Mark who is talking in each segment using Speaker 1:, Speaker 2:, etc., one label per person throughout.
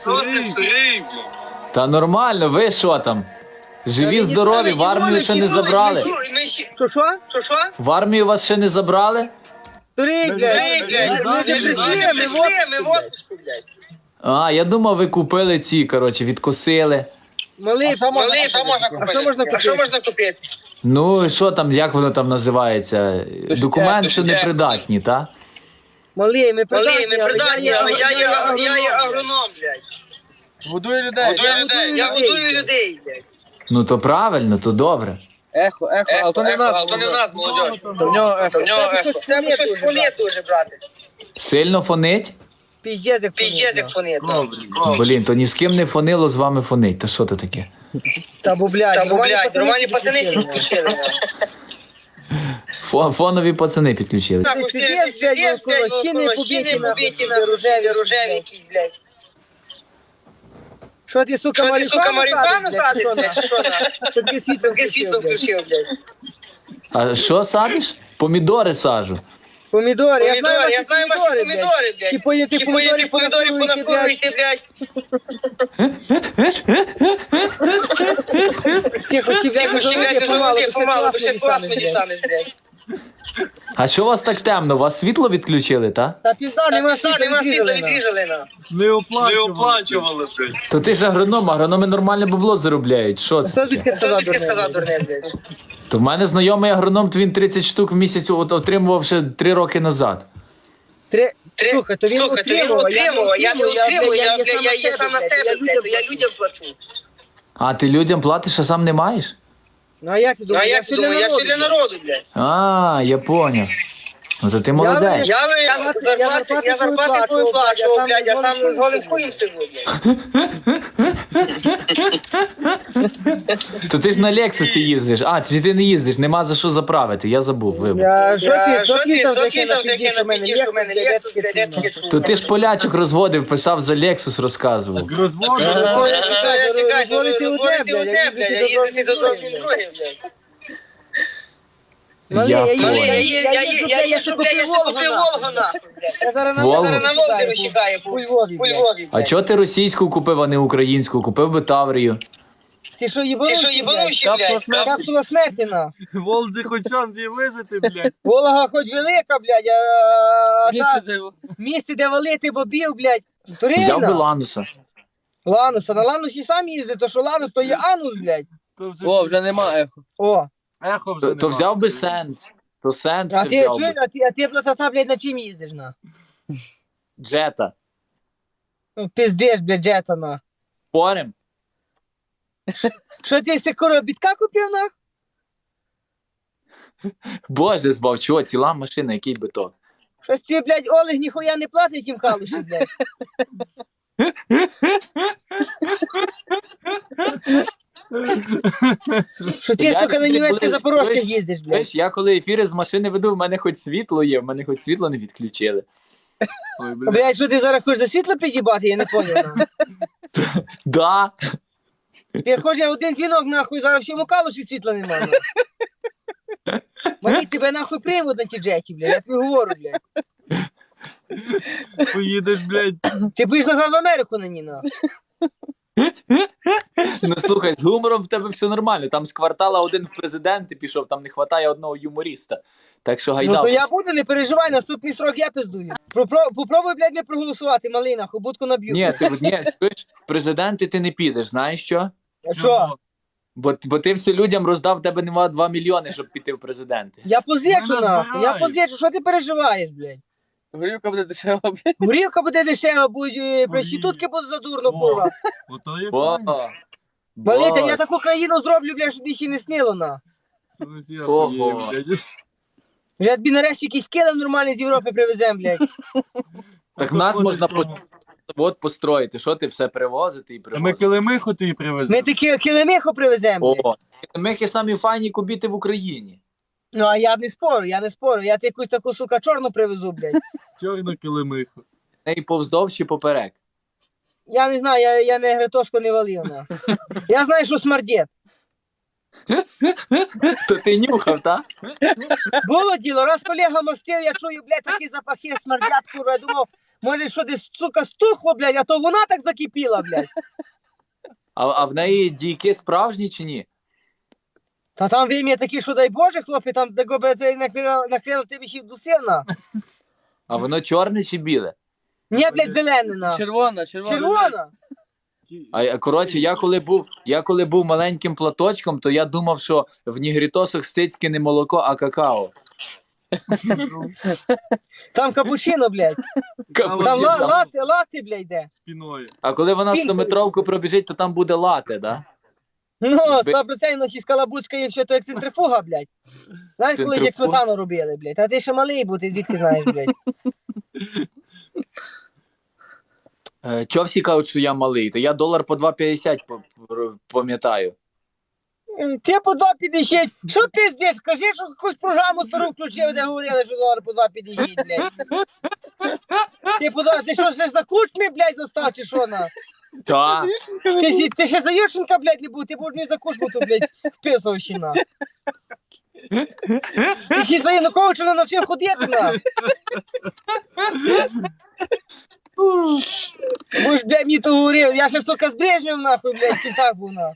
Speaker 1: Та нормально, ви що там? Живі, здорові, в армію ще не забрали.
Speaker 2: Що?
Speaker 1: В армію вас ще не забрали?
Speaker 2: Турик, блядь. Ми вже прийшли, ми в отпуску, блядь.
Speaker 1: А, я думав, ви купили ці, коротше, відкосили.
Speaker 2: Малий, що можна купити?
Speaker 1: Ну, і що там, як воно там називається? Документ, що не придатні, та?
Speaker 2: Малий, ми придатні, але я є агроном, блядь.
Speaker 3: Годує людей.
Speaker 2: Я годую людей, блядь.
Speaker 1: Ну то правильно, то добре.
Speaker 3: Ехо, а то не в нас.
Speaker 2: то не в нас, молодь.
Speaker 3: То в нього ехо.
Speaker 2: Треба щось фонити дуже, брати.
Speaker 1: Сильно фонить?
Speaker 2: Піздець, як фонити.
Speaker 1: Блін, то ні з ким не фонило, з вами фонить. Та що то таке?
Speaker 2: Та бо, блядь, нормальні пацани підключили.
Speaker 1: Фонові пацани підключили.
Speaker 2: Піздець, блядь, колосіни побиті на рожеві якісь, блядь. Що ти, сука, марихуану садиш, блядь, чи що? Таке світло включив, блядь.
Speaker 1: А що садиш? Помідори сажу.
Speaker 2: Помідори, я знаю ваші
Speaker 3: помідори,
Speaker 2: блядь. Ти поїти помідорів понакуруйте, блядь. Тихо, блядь, помалу, бо ще клас мені станеш, блядь.
Speaker 1: А що у вас так темно? Вас світло відключили, та?
Speaker 2: Та пізда, нема світла, відрізали на.
Speaker 3: Не оплачували.
Speaker 1: То ти ж агроном, агрономи нормальне бабло заробляють. Що це
Speaker 2: Хто
Speaker 1: таке?
Speaker 2: звідки сказав, дурне, блядь?
Speaker 1: То в мене знайомий агроном, то він 30 штук в місяць отримував ще 3 роки назад.
Speaker 2: Слухай, то він отримував, я не отримую, я сам на себе, блядь, то я людям плачу.
Speaker 1: А ти людям платиш, а сам не маєш?
Speaker 2: Ну а як ти думаєш, я все для народу, блядь.
Speaker 1: А, я поняв. Ну то ти молодець.
Speaker 2: Я зарплати твою плачу, блядь, я сам з голим хуєм сижу, блядь.
Speaker 1: То ти ж на Лексусі їздиш. А, ти не їздиш, нема за що заправити, я забув, вибач.
Speaker 2: Що ти там таке напідіш у мене, Лексус, блядь, я таке чую.
Speaker 1: То ти ж полячок розводив, писав за Лексус, розказував.
Speaker 2: Розводити одне, блядь, я їздити до зовсім друге, блядь.
Speaker 1: Я поняв.
Speaker 2: Я ще купив Волгу, нахуй, блядь. Я зараз
Speaker 1: Волгу?
Speaker 2: на Волзі вищикаю, по Львові, блядь.
Speaker 1: А чого ти російську купив, а не українську? Купив би Таврію.
Speaker 2: Ти що їбанущий, блядь? Капсула смерті, на.
Speaker 3: Волзі хоч шанс є вижити, блядь.
Speaker 2: Волга хоч велика, блядь, а місце, де валити бобів, блядь.
Speaker 1: Взяв би
Speaker 2: Турина.
Speaker 1: Лануса.
Speaker 2: Лануса, на Ланусі сам їздить, то що Ланус, то є Анус, блядь.
Speaker 3: О, вже нема ехо.
Speaker 2: О,
Speaker 3: Ехо вже
Speaker 1: То
Speaker 3: нема.
Speaker 1: взяв би Сенс. То Сенс
Speaker 2: а
Speaker 1: ще
Speaker 2: ти,
Speaker 1: взяв би.
Speaker 2: а ти, платата, блядь, на чим їздиш, на?
Speaker 1: Джета.
Speaker 2: Ну, пиздиш, блядь, джета, на.
Speaker 1: Спорим?
Speaker 2: Що ти секуро бітка купив, на?
Speaker 1: Боже, збав, чого, ціла машина, який би то.
Speaker 2: Щось ти, блядь, Олег ніхуя не платить їм калуші, блядь. Що ти,
Speaker 1: Я
Speaker 2: сука, на
Speaker 1: люблю,
Speaker 2: німецьких
Speaker 1: коли-
Speaker 2: запорожцях
Speaker 1: коли-
Speaker 2: їздиш, блядь.
Speaker 1: Знаєш, я коли ефіри з машини веду, в мене хоч світло є, в мене хоч світло не відключили.
Speaker 3: Ой, блядь.
Speaker 2: Блядь, що ти зараз хочеш за світло під'їбати, я не поняв, на.
Speaker 1: Да.
Speaker 2: Ти хочеш один дзвінок, нахуй, зараз всьому калуші світла немає, на. Мені тебе, нахуй, привод на ті джеті, блядь, я тобі говорю, блядь.
Speaker 3: Поїдеш, блядь.
Speaker 2: Ти будеш назад в Америку на ній, нахуй.
Speaker 1: Ну слухай, з гумором в тебе все нормально. Там з квартала один в президенти пішов, там не вистачає одного юморіста. Так що
Speaker 2: Ну
Speaker 1: гайдав.
Speaker 2: то я буду, не переживай, наступний срок я пиздую. Попробуй, блядь, не проголосувати, малий, нахуй, будку наб'ю.
Speaker 1: Ні, чуєш, в президенти ти не підеш, знаєш що?
Speaker 2: А що?
Speaker 1: Бо ти все людям роздав, в тебе нема 2 мільйони, щоб піти в президенти.
Speaker 2: Я позичу,
Speaker 3: Ну,
Speaker 2: нахуй, я
Speaker 3: збирай.
Speaker 2: позичу, що ти переживаєш, блядь?
Speaker 3: Горілка буде дешева, блядь.
Speaker 2: Горілка буде дешева, будь, проститутки будуть задурно, курва.
Speaker 3: Ото є
Speaker 1: О,
Speaker 3: правильно.
Speaker 2: Малий, та я таку країну зроблю, блядь, щоб їх і не снило, на.
Speaker 1: Ого.
Speaker 2: Вже тобі нарешті якийсь килим нормальний з Європи привезем, блядь.
Speaker 1: Так нас можна завод построїти. Що ти все привозити і
Speaker 3: Ми
Speaker 1: привозити?
Speaker 3: килимиху тобі
Speaker 2: Ми
Speaker 3: привезли.
Speaker 2: такі килимиху привеземо, блядь.
Speaker 1: О, мехи самі файні кубіти в Україні.
Speaker 2: Ну, а я не спорю, я ти якусь таку, сука, чорну привезу, блядь.
Speaker 3: Чорну килимиху.
Speaker 1: І повздовж чи поперек.
Speaker 2: Я не знаю, я не гретоску не валив, на. Я знаю, що смердєт.
Speaker 1: То ти нюхав, так?
Speaker 2: Було діло, раз колега мастив, я чую, блядь, такі запахи смердять, курва, я думав, Може, що десь, сука, стухло, блядь, а то вона так закипіла, блядь.
Speaker 1: А в неї дійки справжні чи ні?
Speaker 2: Та там вим'я такі, що дай Боже, хлопці, там де гоби накрила тебе ще вдусивна.
Speaker 1: А воно чорне чи біле?
Speaker 2: Ні, блядь, зелене, на.
Speaker 3: Червона.
Speaker 2: Червона.
Speaker 1: Коротше, я коли був маленьким платочком, то я думав, що в нігрітосах стицьки не молоко, а какао.
Speaker 2: Там капучино, блядь. Там лати, блядь, йде.
Speaker 3: Спіною.
Speaker 1: А коли вона
Speaker 2: Спінкою.
Speaker 1: 100-метровку пробіжить, то там буде лате, да?
Speaker 2: Ну, 100% ще скалабучка і все, то як центрифуга, блядь. Знаєш, коли як
Speaker 1: Центрифуга?
Speaker 2: сметану робили, блядь. А ти ще малий був, ти звідки знаєш, блядь.
Speaker 1: Чо всі кажуть, що я малий? То я долар по 2,50 пам'ятаю.
Speaker 2: Ти по 2,50. Що пиздиш? Кажи, що якусь програму стару включив, де говорили, що долар по 2,50, блядь. Ти що, ще за кучми, блядь, застав, чи що, на?
Speaker 1: Та.
Speaker 2: Ти ще за Ющенка, блядь, не був, ти будеш не за кучму, то, блядь, вписував ще, на. Ти ще за Януковича не навчив ходити, на. Будеш, блядь, мені то говорив, я ще, сука, з Брежневим, нахуй, блядь, в кінтах був, на.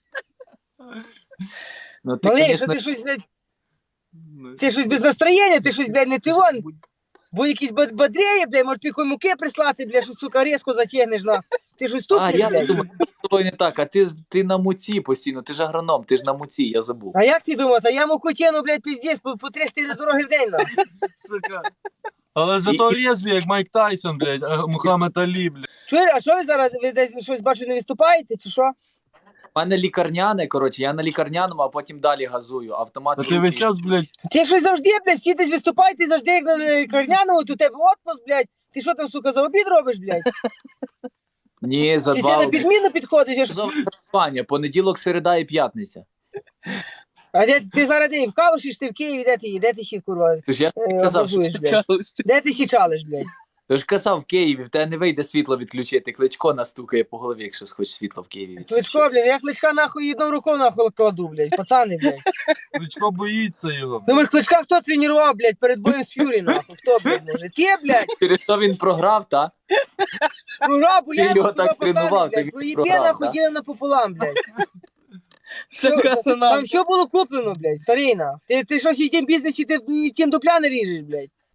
Speaker 1: Ну, ти,
Speaker 2: Малий, що
Speaker 1: конечно,
Speaker 2: ти щось, блядь, ти щось без настроєння, ти щось, блядь, не ти вон. Бо якісь бадреє, блядь, може піхой муки прислати, блядь, що, сука, різко затягнеш, на. Ти щось
Speaker 1: А,
Speaker 2: тупиш,
Speaker 1: я
Speaker 2: блядь.
Speaker 1: думаю, що з тобою не так, а ти на муці постійно, ти ж агроном, ти ж на муці, я забув.
Speaker 2: А як ти думав, та я муку тяну, блядь, піздець, по 3-4 дороги в день, на.
Speaker 3: Сука. Але зато лезві, як Майк Тайсон, блядь, а Мухаммед Алі, блядь.
Speaker 2: Чуєш, а що ви зараз, ви десь щось бачу, не виступаєте, чи що?
Speaker 1: У мене лікарняне, коротше, я на лікарняному, а потім далі газую. Автомат.
Speaker 3: А ти весь час, блядь,
Speaker 2: Ти щось завжди, блядь, всі десь виступаєте, завжди як на лікарняному, то у тебе отпуск, блядь. Ти що там, сука, за обід робиш, блядь?
Speaker 1: Ні, за
Speaker 2: Чи ти
Speaker 1: два
Speaker 2: на
Speaker 1: обіди.
Speaker 2: підміну підходиш? я ж-
Speaker 1: Паня, понеділок, середа і п'ятниця.
Speaker 2: А де ти зараз де? В Калуші ж ти в Києві, де ти ще, курва,
Speaker 1: Ти ж я казав, що,
Speaker 2: образуєш, блядь? Де ти ще чалиш, блядь?
Speaker 1: ти ж казав в Києві, в тебе не вийде світло відключити. Кличко настукає по голові, якщо схочеш світло в Києві відключити.
Speaker 2: Кличко, блядь, я кличка нахуй одну руку нахуй кладу, блядь, пацани, блядь.
Speaker 3: Кличко боїться його.
Speaker 2: Ну, може, кличка хто тренував, блядь, перед боєм з Фюрі, нахуй? Хто, блядь, може? Ти, блядь?
Speaker 1: Через що він програв, та?
Speaker 2: Програв, бо
Speaker 1: Ти
Speaker 2: я
Speaker 1: його так тренував, ти
Speaker 2: блядь,
Speaker 1: він
Speaker 2: проїбє
Speaker 1: програв,
Speaker 2: нахуй
Speaker 1: да?
Speaker 2: діли напополам, блядь.
Speaker 3: Така
Speaker 2: Там все було куплено, блядь, старина. Ти щось в тім бізнесі, ти тим дупля не ріжеш, блядь.